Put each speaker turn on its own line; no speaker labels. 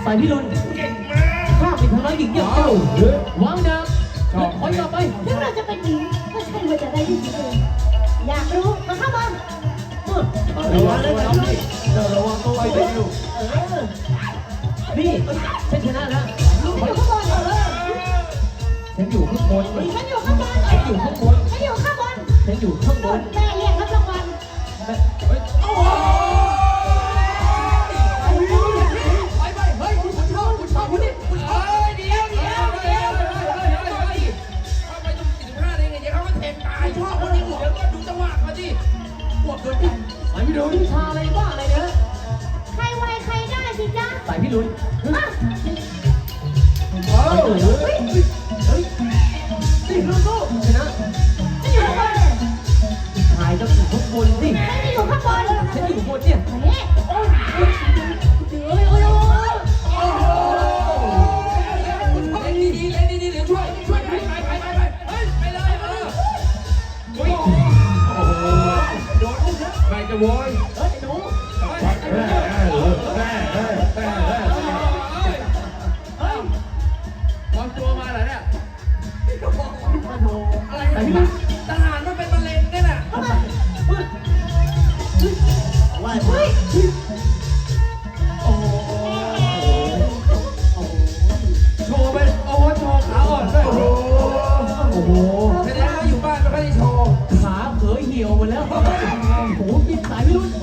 ายพิรุณข้าเป็นทางร้ายหญิงอย่างเจ้าวางดาบถอยกลับไป
ถึงเราจะเป็นหญิงก็ใช่ว่าจะได้ที่สุดเลยอยากรู้มาเข้ามา
ระวังเลยระวังตัวไว้ด้วยนี่ฉันชนะแล้ว
อยู่ข้างบน
ฉันอยู่ข้างบน
ฉันอยู่ข้างบน
ฉันอยู่ข้างบน
ฉันอยู่ข้างบน
ฉันอยู่ข้างบน
แม่เรียกรับรางวัล
โอ้โหไปเฮ้ยคุณชอบคุณนี่คุณเอ้ยเดี๋ยวเข้าไปตรง45ได้ไงเดี๋ยวเขาก็เทตายชอบคนนี้เดี๋ยวก็ดูจังหวะเขาดิปวดเกินไป
สายพิรุณวิชาอะไรบ้าอะไรเนี่ย
ใครไวใครได้สิจ๊ะ
สายพิรุณ
โอ้
เฮ้ยนี่ลูกชนะ
ฉันอยู่ข้างบนเลย
ถ่ายจะอยู่ข้างบนสิ
ฉันอยู่ข้างบน
ฉันอยู่ข้างบนเนี่ย
โอ้ย
เล่นดีเดี๋ยวช่วยไปเฮ้ยไปเลยโอ้โหโดนลูกนะใครจะโวย
หนู
ปลอมตัวมาเหรอเนี่ยอะไรเนี่ยทหารมันเป็นมะเร็งเนี่ยน่ะ
ว่าเฮ้ย
โอ้โหโชว์ไปโอ้โหโชว์ขาอ่อนด้วย
โอ้โห
แสดงว่าอยู่บ้านไม่ค่อยได้โชว์
ขาเผยเหี่ยวหมดแล้วโอ้โหกินสายพิรุณ